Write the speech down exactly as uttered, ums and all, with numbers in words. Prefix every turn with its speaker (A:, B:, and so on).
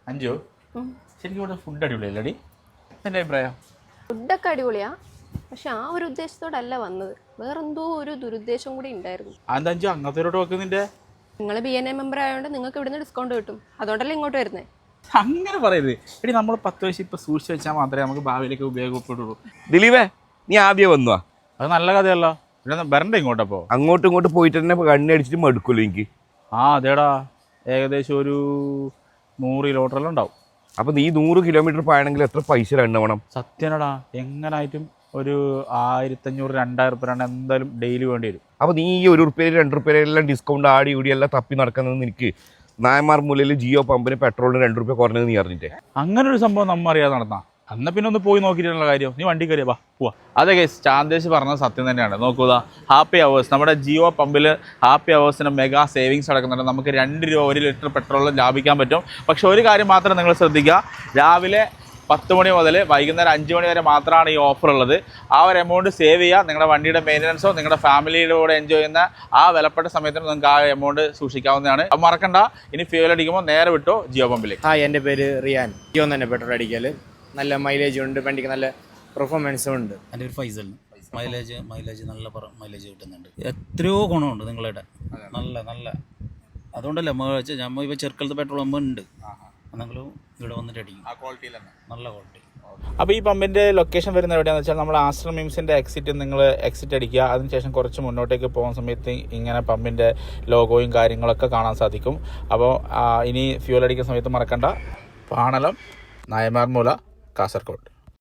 A: അഞ്ചോ ശരിക്കും ഇവിടെ ഫുഡ് അടിപൊളിയല്ലേ എൻ്റെ അഭിപ്രായം?
B: ഫുഡൊക്കെ അടിപൊളിയാ, പക്ഷെ ആ ഒരു ഉദ്ദേശത്തോടല്ല വന്നത്, വേറെന്തോ ഒരു ദുരുദ്ദേശം കൂടി ഉണ്ടായിരുന്നു.
A: അതെന്താ അഞ്ചു അങ്ങനത്തെ വെക്കുന്നിന്റെ?
B: നിങ്ങൾ ബി എൻ എ മെമ്പർ ആയതുകൊണ്ട് നിങ്ങൾക്ക് ഇവിടുന്ന് ഡിസ്കൗണ്ട് കിട്ടും, അതുകൊണ്ടല്ലേ ഇങ്ങോട്ട് വരുന്നത്.
A: അങ്ങനെ പറയരുത് എടി, നമ്മൾ പത്ത് വയസ്സ് ഇപ്പൊ സൂക്ഷിച്ച് വെച്ചാൽ മാത്രമേ നമുക്ക് ഭാവിയിലേക്ക് ഉപയോഗപ്പെടുള്ളൂ.
C: ദിലീപേ, നീ ആദ്യം വന്നു.
A: അത് നല്ല കഥയല്ലോ. ഇവിടെ വരണ്ട ഇങ്ങോട്ടപ്പോ?
C: അങ്ങോട്ടും ഇങ്ങോട്ട് പോയിട്ട് തന്നെ കണ്ണി അടിച്ചിട്ട് മടുക്കുമല്ലോ എനിക്ക്.
A: ആ അതേടാ, ഏകദേശം ഒരു നൂറ് കിലോമീറ്ററെല്ലാം ഉണ്ടാവും.
C: അപ്പൊ നീ നൂറ് കിലോമീറ്റർ പോയാണെങ്കിൽ എത്ര പൈസ രണ്ടവണം?
A: സത്യനടാ, എങ്ങനായിട്ടും ഒരു ആയിരത്തഞ്ഞൂറ് രണ്ടായിരം റുപ്യ എന്തായാലും ഡെയിലി വേണ്ടി വരും.
C: അപ്പൊ നീ ഈ ഒരു റുപ്യ രണ്ട് റുപ്യ എല്ലാം ഡിസ്കൗണ്ട് ആടി കൂടി എല്ലാം തപ്പി നടക്കുന്നത് എനിക്ക് നായമാർ മൂലയിൽ ജിയോ പമ്പിന് പെട്രോളിന് രണ്ട് റുപ്യ കുറഞ്ഞത് നീ അറിഞ്ഞിട്ടേ?
A: അങ്ങനെ ഒരു സംഭവം നമ്മ അറിയാതെ നടന്നാ അന്ന പിന്നെ ഒന്ന് പോയി നോക്കിയിട്ടുള്ള കാര്യം. നീ വണ്ടി കയറിയാ പോവാ. അതെ ഗൈസ്, ചാന്ദേശ് പറഞ്ഞത് സത്യം തന്നെയാണ്. നോക്കുക, ഹാപ്പി അവേഴ്സ് നമ്മുടെ ജിയോ പമ്പിൽ ഹാപ്പി അവേഴ്സിന് മെഗാ സേവിങ്സ് നടക്കുന്നുണ്ട്. നമുക്ക് രണ്ട് രൂപ ഒരു ലിറ്റർ പെട്രോളിൽ ലാഭിക്കാൻ പറ്റും. പക്ഷെ ഒരു കാര്യം മാത്രം നിങ്ങൾ ശ്രദ്ധിക്കുക, രാവിലെ പത്ത് മണി മുതൽ വൈകുന്നേരം അഞ്ച് മണി വരെ മാത്രമാണ് ഈ ഓഫർ ഉള്ളത്. ആ ഒരു എമൗണ്ട് സേവ് ചെയ്യുക. നിങ്ങളുടെ വണ്ടിയുടെ മെയിൻ്റനൻസോ നിങ്ങളുടെ ഫാമിലിയുടെ കൂടെ എൻജോയ് ചെയ്യുന്ന ആ വിലപ്പെട്ട സമയത്തിന് നിങ്ങൾക്ക് ആ എമൗണ്ട് സൂക്ഷിക്കാവുന്നതാണ്. അത് മറക്കണ്ട. ഇനി ഫ്യൂൽ അടിക്കുമ്പോൾ നേരെ വിട്ടോ ജിയോ പമ്പിലേക്ക്.
D: ഹായ്, എൻ്റെ പേര് റിയാൻ. ജിയോ തന്നെ പെട്രോൾ അടിക്കൽ നല്ല മൈലേജ് ഉണ്ട്, വണ്ടിക്ക് നല്ല പെർഫോമൻസും ഉണ്ട്.
E: എൻ്റെ ഒരു ഫൈസൽ. മൈലേജ് മൈലേജ് നല്ല മൈലേജ് കിട്ടുന്നുണ്ട്. എത്രയോ ഗുണമുണ്ട് നിങ്ങളുടെ നല്ല നല്ല. അതുകൊണ്ടല്ലേ നമ്മൾ ഇപ്പോൾ ചെറുക്കലത്തെ പെട്രോൾ പമ്പ് ഉണ്ട്, നിങ്ങൾ ഇവിടെ വന്നിട്ട് അടിക്കും.
A: ആ ക്വാളിറ്റിയിൽ തന്നെ
E: നല്ല ക്വാളിറ്റി.
A: അപ്പോൾ ഈ പമ്പിൻ്റെ ലൊക്കേഷൻ വരുന്നത് എവിടെയാണെന്ന് വെച്ചാൽ നമ്മൾ ആശ്രം മിംസിൻ്റെ എക്സിറ്റ് നിങ്ങൾ എക്സിറ്റ് അടിക്കുക. അതിനുശേഷം കുറച്ച് മുന്നോട്ടേക്ക് പോകുന്ന സമയത്ത് ഇങ്ങനെ പമ്പിൻ്റെ ലോഗോയും കാര്യങ്ങളൊക്കെ കാണാൻ സാധിക്കും. അപ്പോൾ ഇനി ഫ്യൂൽ അടിക്കുന്ന സമയത്ത് മറക്കണ്ട, പാണലം നായമാർമൂല കാസർഗോഡ്.